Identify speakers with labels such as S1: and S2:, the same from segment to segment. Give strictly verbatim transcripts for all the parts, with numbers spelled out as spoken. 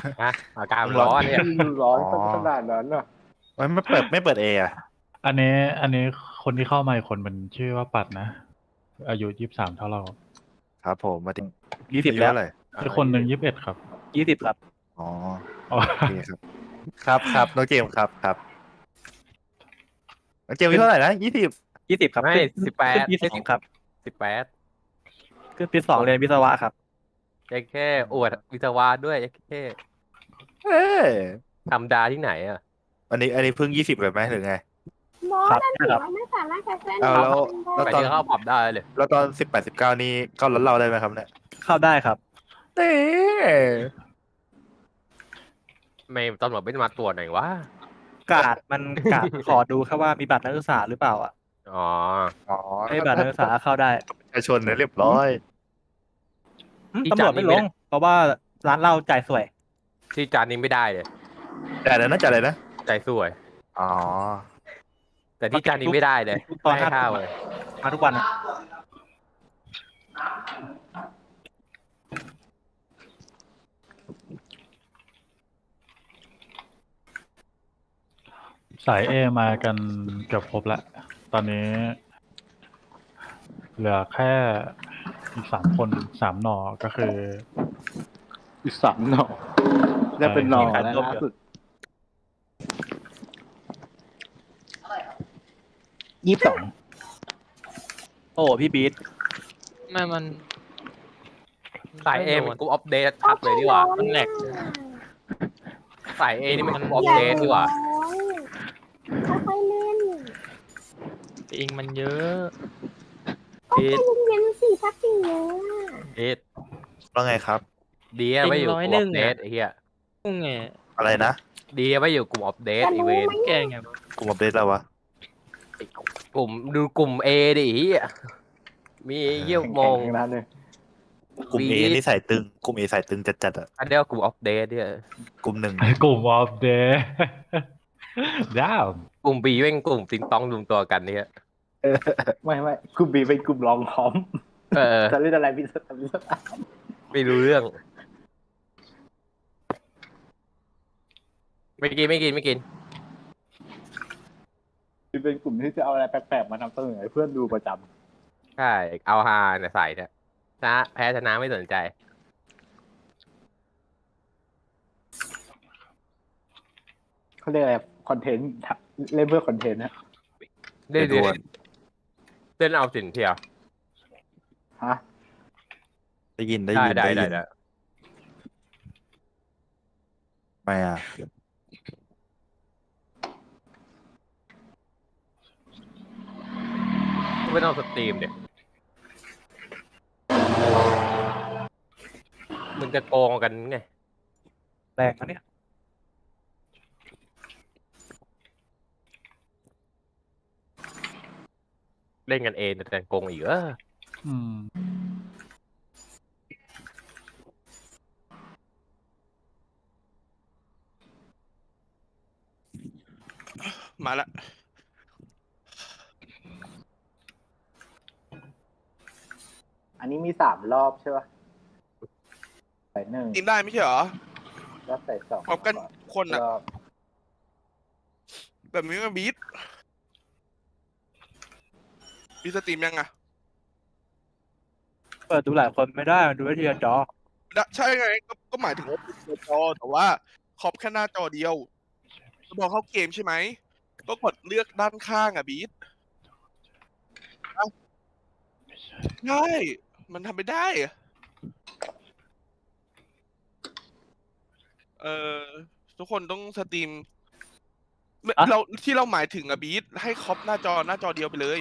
S1: ฮะอากาศมันร้อนเนี่ย
S2: ร้อน
S3: อ๋อ
S2: ขนาดนั้นอ่ะ
S3: ไม่ไม่เปิดไม่เปิดเออะ
S4: อันนี้อันนี้คนที่เข้ามาอีกคนมันชื่อว่าปัดนะ อายุยี่สิบสามเท่าเรา
S3: ครับผมมาถึง
S5: ยี่สิบ
S3: อายุ
S5: แล้ว
S3: เท่าไหร่
S4: อีกคนหนึ่งยี่สิบเอ็ดครับ
S5: ยี่สิบครับ
S3: อ๋อ
S4: อ๋อ
S3: โอเคครับ ครับครับน้องเจมส์ครับครับน้องเจมส์อายุเท่าไหร่นะยี่สิบ
S5: ยี่สิบครับ
S1: ไม่
S5: ขึ้น
S1: สิบแปด
S5: ขึ้นปีสองครับ
S1: สิบแปด
S5: ขึ้นปีสองเรียนวิศวะครับ
S1: แค่แค่อวดวิศวะด้วยแค่
S3: เอ้ย
S1: ธรรมดาที่ไหนอ่ะ
S3: อันนี้อันนี้เพิ่งยี่สิบเลยไหมหรือไง
S6: มอส
S5: ครับ
S6: นั่นถือ
S5: ครับ
S6: ว่าไม่สามารถจะเส้น
S3: เอาแล้ว
S1: ไป
S3: ตอน
S1: ที่เข้าผับได้เลย
S3: แล้วตอนสิบแปดสิบเก้านี่เข้ารถเราได้ไหมครับเนี่ย
S5: เข้าได้ครับ
S3: เอ๊ะ
S1: ไม่ตำรวจไม่มาตรวจหน่อยวะ
S5: กาดมันกาด ขอดูแค่ว่ามีบัตรนักศึกษาหรือเปล่าอ่ะ
S1: อ๋อ
S3: อ๋อ
S5: ไม่มีบัตรนักศึกษาเข้าได้
S3: ประชาชนเนี่ยเรียบร้อย
S5: อืมตำรวจไม่ลง เพราะว่าร้านเหล้าจ่ายสวย
S1: ที่จานนี้ไม่ได้เลย
S3: แต่อะไรนะแต่อะไรนะ
S1: ใจสวย
S3: อ๋อ
S1: แต่ที่จานนี้ไม่ได้เลย
S5: ตอน
S1: ไม่ให้
S5: ห้า
S1: ข้าวเลย
S5: มาทุกวันอะ
S4: สายเอมากันเกือบครบแล้ว ตอนนี้ เหลือแค่อีกสามคนสามหน่อก็คือ
S2: อีกสามหน่อได้เป็นหน่อแล้วล่าสุดยี่สิบสอง
S5: โอ้พี่บีท
S7: ไม่มัน
S1: สายเอมันกูอัปเดตทับเลยดีกว่า
S7: มันแหลก
S1: สายเอนี่มันกูอัปเดตดีกว่า
S6: ค่อยๆเล่น
S7: อิงมันเยอะ
S1: พีท
S6: เย็นๆสิสักสิ่งเนี้ย
S1: พีท
S3: ว่าไงครับ
S1: ดีอะไม่อยู่กูอัปเดตไอ้เหี้ย
S7: พุ่งไง
S3: อะไรนะ
S1: ดีอะไม่อยู่กลุ่มอัปเดตอีเวนต์
S7: แกไง
S3: กลุ่มอัปเดตแล้ววะ
S1: กลุ่มดูกลุ่มเอดิเหี้ยมีเยี่ยมมอง
S2: แข่งๆทั้งนั้นเลย
S3: กลุ่มเอ
S1: วีด
S3: นี่ใส่ตึง กลุ่มเอใส่ตึงจัดๆอ่ะ
S1: อันเดียวกลุ่มอัปเดตเนี่ย
S3: กลุ่มหนึ่ง
S4: กลุ่มออฟเดย์ ดาว
S1: กลุ่มบีเป็นกลุ่มติงตองรวมตัวกันเนี่ย
S2: ไม่ไม่กลุ่มบีเป็นกลุ่มรองพร้อม
S1: เออ
S2: จะเล่นอะไรพิเศษพิเศษ
S1: ไม่รู้เรื่อง ไม่กินไม่กินไม่กิน
S2: เป็นกลุ่มที่จะเอาอะไรแปลกๆมานำเสนอให้เพื่อนดูประจำ
S1: ใช่ เอาฮาเนี่ยใส่เนี่ยชนะแพ้ชนะไม่สนใจ
S2: เขาเรียกอะไรคอนเทนต์เล่นเพื่อคอนเทนต์นะ
S1: เล่น
S3: ไปด่วน
S1: เล่นเอาสินเที่ยว
S2: ฮะ
S3: ได้ยินได้
S1: ได้
S3: ยิน
S1: ได้
S3: ได้
S1: ได้
S3: ยิน
S1: ได้
S3: ไม่อ่ะ
S1: ไม่ต้องสตรีมเด็กมันจะโกงกันไง
S5: แรงนะเนี่ย
S1: เล่นกันเองแต่โกงอีกเออ
S4: อืม
S8: มาละ
S2: อันนี้มีสามรอบใช่ป่ะใส่หนึ่ง
S8: ทีมได้ไม่ใช่เหรอ
S2: รอบใส่สอง
S8: พร้อมกันคนอ่ะ
S2: รอบ
S8: แบบนี้มันบีทบีทสตรีมยังอ่ะ
S5: เปิดดูหลายคนไม่ได้ มันดูได้ทีละจอ
S8: ได้ใช่ไงก็ก็หมายถึงว่าเป็นจอแต่ว่าขอบแค่หน้าจอเดียวจะบอกเข้าเกมใช่ไหมก็กดเลือกด้านข้างอ่ะบีทเอ้าใช่มันทำไม่ได้อะเออทุกคนต้องสตรีมไม่
S5: อะ
S8: เราที่เราหมายถึงอะบีทให้ครอบหน้าจอหน้าจอเดียวไปเลย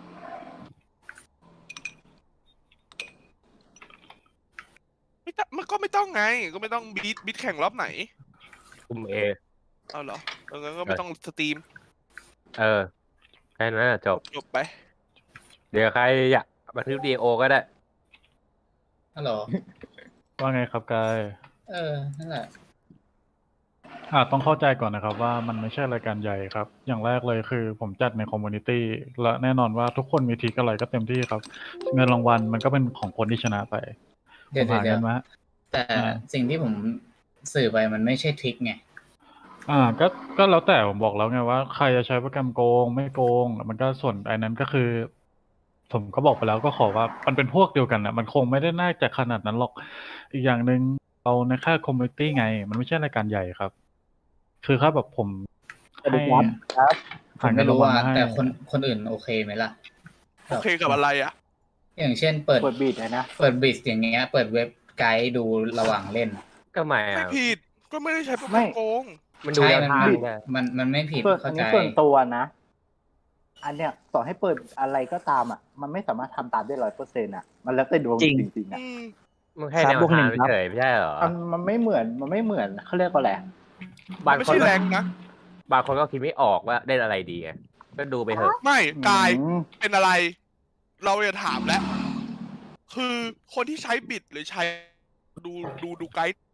S8: ไม่ต้องมันก็ไม่ต้องไง ก็ไม่ต้องบีทบีทแข่งรอบไหน
S1: กลุ่มเอ
S8: เอาเหรอเอางั้นก็ไม่ต้องสตรีม
S1: เออแค่นั้นนะจบ
S8: จบไป
S1: เดี๋ยวใครอยากบันทึกวิดีโอก็ได้
S7: ฮัลโหล
S4: ว่าไงครับกาย
S7: เออ นั่นแหละ
S4: อ่าต้องเข้าใจก่อนนะครับว่ามันไม่ใช่รายการใหญ่ครับ อย่างแรกเลยคือผมจัดในคอมมูนิตี้และแน่นอนว่าทุกคนมีทีอะไรก็เต็มที่ครับ เงินรางวัลมันก็เป็นของคนที่ชนะไป
S7: เดี๋ยว
S4: ผมหา
S7: เดี๋
S4: เงิ
S7: ยวน
S4: มา
S7: แต่
S4: อ่า
S7: สิ่งที่ผมสื่อไปมันไม่ใช่ทริคไง
S4: อ่าก็ก็แล้วแต่ผมบอกแล้วไงว่าใครจะใช้โปรแกรมโกงไม่โกง มันก็ส่วนไอ้นั้นก็คือ ผมก็บอกไปแล้วก็ขอว่ามันเป็นพวกเดียวกันนะมันคงไม่ได้น่าจะขนาดนั้นหรอก อีกอย่างหนึ่งเราในค่ายคอมมูนิตี้ไง มันไม่ใช่รายการใหญ่ครับ คือถ้าแบบผม
S2: สวัส
S4: ให้
S2: ดีครับครับ
S7: ผ
S4: หาม เงิ
S7: ไม่
S4: นราง
S7: รู้
S4: วัล
S7: ว่า
S4: มาให้
S7: แต่คนคนอื่นโอเคไหมล่ะ
S8: โอเคกับอะไรอ่ะ
S7: อย่างเช่น เปิด
S2: เปิดบีดเลยนะ
S7: เปิดบิสอย่างเงี้ย เปิดเว็บไกด์ดูระหว่างเล่น
S1: ก็ไม่
S8: ไม่
S1: อะ
S8: ผิดก็ไม่ได้ใช้โปรแกร
S2: ไม่
S8: มโกง
S1: มันดู
S7: ใช่
S1: แนว
S7: มัน
S1: ทาง
S7: มัน
S1: ได้
S7: มันมันไม่ผิด
S2: ส่วนอั
S7: เข้าน ใจ
S2: นี้ส่วนตัวนะ อันเนี้ยต่อให้เปิดอะไรก็ตามอ่ะ มันไม่สามารถทำตามได้ร้อยเปอร์เซ็นต์อ่ะ มันแล้วแต่ดวง
S5: จริง
S2: จริงๆอ่ะ
S8: อืม
S1: มันแค่
S5: ครับ
S1: แนว
S5: บวกหนึ่
S1: ทาง
S5: งครับ
S1: เฉยๆไม่ใช่เหรอ
S2: มันมันไม่เหมือน มันไม่เหมือนเขาเรียกว่าอะไร
S1: บาง
S8: ไม่
S1: คน
S8: ใช่
S1: ก็
S8: แรงนะ
S1: บางคนก็คิดไม่ออกว่าเล่นอะไรดีไงก็ดูไปเถอะ
S8: ไม่กาย
S2: อืม
S8: เป็นอะไร เราจะถามแล้ว คือคนที่ใช้บิดหรือใช้ดูดูดูไกด์